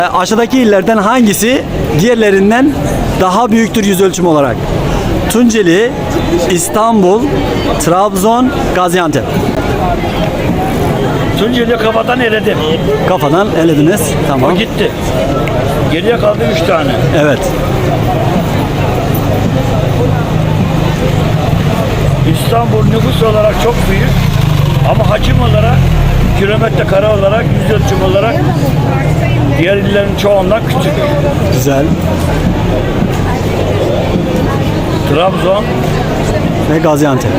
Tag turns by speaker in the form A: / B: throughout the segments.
A: Aşağıdaki illerden hangisi diğerlerinden daha büyüktür yüz ölçümü olarak? Tunceli, İstanbul, Trabzon, Gaziantep.
B: Tunceli kafadan eledim.
A: Kafadan elediniz. Tamam.
B: O gitti. Geriye kaldı 3 tane.
A: Evet.
B: İstanbul nüfus olarak çok büyük. Ama hacim olarak, kilometre kare olarak, yüz ölçüm olarak diğer illerin çoğundan küçük.
A: Güzel.
B: Trabzon,
A: Ve Gaziantep.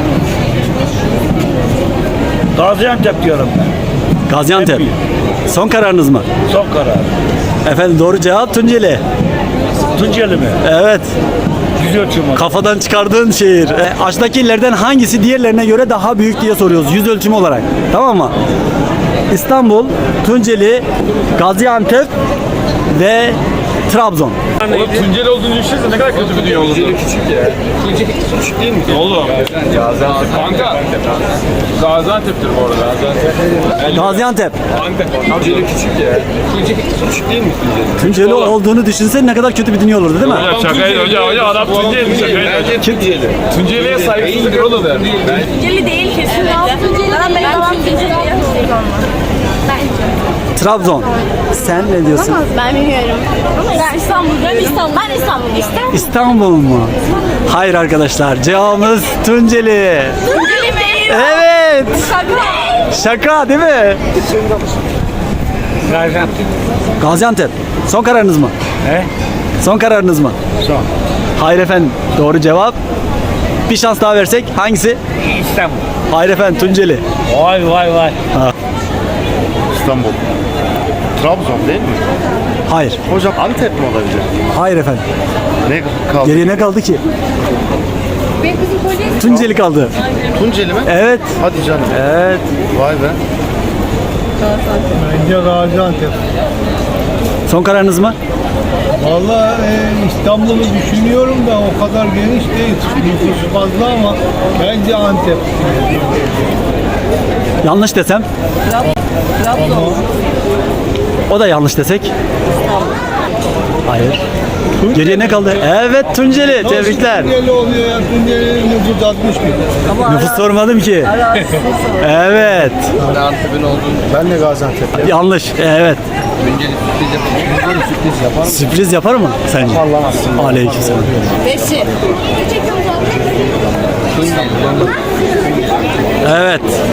B: Gaziantep diyorum ben.
A: Gaziantep. Son kararınız mı?
B: Son karar.
A: Efendim doğru cevap Tunceli.
B: Tunceli mi?
A: Evet.
B: Yüz ölçüm olarak.
A: Kafadan çıkardığın şehir. Aşağıdaki illerden hangisi diğerlerine göre daha büyük diye soruyoruz yüz ölçümü olarak. Tamam mı? İstanbul, Tunceli, Gaziantep ve Trabzon.
C: Oğlum Tunceli olduğunu düşünsene ne kadar kötü bir dünya olur. Tunceli küçük ya. Tunceli küçük değil mi? Oğlum. Gaziantep. Kanka. Gaziantep'tir bu arada.
A: Gaziantep.
C: Antep. Tunceli küçük ya. Tunceli küçük değil mi Tunceli?
A: Tunceli olduğunu düşünsen ne kadar kötü bir dünya olurdu değil mi?
C: Şakaydı hoca adam Tunceli şakaydı. Tunceli. Tunceli'ye saygısızlık olur der.
D: Tunceli değil kesinlikle. Ben Tunceli
A: Trabzon. Sen ne diyorsun?
D: Ben bilmiyorum. Ben İstanbul. Ben İstanbul. Ben İstanbul.
A: İstanbul mu? Hayır arkadaşlar. Cevabımız Tunceli.
D: Tunceli değil.
A: Evet.
D: Şaka.
A: Şaka değil mi?
B: Gaziantep.
A: Gaziantep. Son kararınız mı?
B: He?
A: Son kararınız mı?
B: Son.
A: Hayır efendim. Doğru cevap. Bir şans daha versek hangisi?
B: İstanbul.
A: Hayır efendim Tunceli.
B: Vay vay vay.
E: İstanbul. Trabzon değil mi?
A: Hayır.
E: Hocam Antep mi olabilir?
A: Hayır efendim.
E: Ne kaldı?
A: Geriye ne kaldı ki? Tunceli kaldı.
E: Tunceli mi?
A: Evet.
E: Hadi canım.
A: Evet.
E: Vay be.
F: Bence Gaziantep.
A: Son kararınız mı?
F: Vallahi İstanbul'u düşünüyorum da o kadar geniş değil. Nüfusu fazla ama bence Antep.
A: Yanlış desem? O da yanlış desek? Hayır. Geriye ne kaldı? Evet Tunceli. Tebrikler.
F: Tunceli oluyor ya. Tunceli'nin nüfusu 60 bin.
A: Nüfus sormadım ki. Evet.
E: Ben de Gaziantep.
A: Yanlış. Evet. Sürpriz yapar mı sence? Aleykümselam.
D: Beşi.
A: Evet.